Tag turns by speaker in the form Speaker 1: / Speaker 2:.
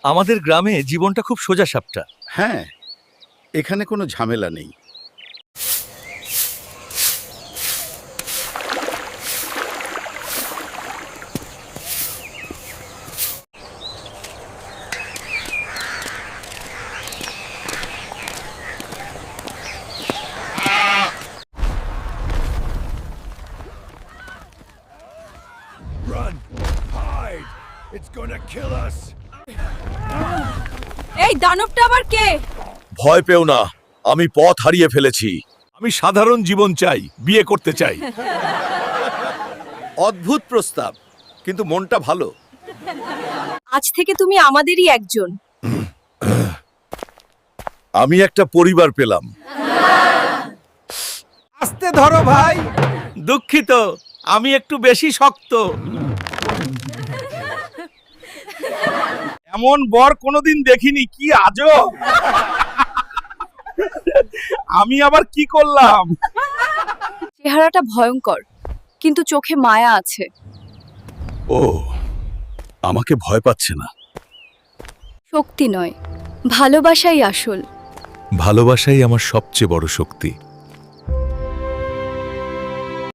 Speaker 1: আমাদের গ্রামে জীবনটা খুব সোজাসাপটা।
Speaker 2: হ্যাঁ, এখানে কোনো ঝামেলা নেই।
Speaker 3: Run! Hide! It's gonna kill us!
Speaker 4: এই দানবটা আবার কে?
Speaker 1: ভয় পেও না, আমি পথ হারিয়ে ফেলেছি। আমি সাধারণ জীবন চাই, বিয়ে করতে চাই।
Speaker 2: অদ্ভুত প্রস্তাব, কিন্তু মনটা ভালো।
Speaker 4: আজ থেকে তুমি আমাদেরই একজন।
Speaker 1: আমি একটা পরিবার পেলাম।
Speaker 3: আস্তে ধরো ভাই!
Speaker 1: দুঃখিত, আমি একটু বেশি শক্ত। এমন বর কোনোদিন দেখিনি, কি আজব! আমি আবার কি করলাম?
Speaker 4: চেহারাটা ভয়ঙ্কর, কিন্তু চোখে মায়া আছে।
Speaker 1: ও, আমাকে ভয় পাচ্ছে না।
Speaker 4: শক্তি নয়, ভালোবাসাই আসল।
Speaker 1: ভালোবাসাই আমার সবচেয়ে বড় শক্তি।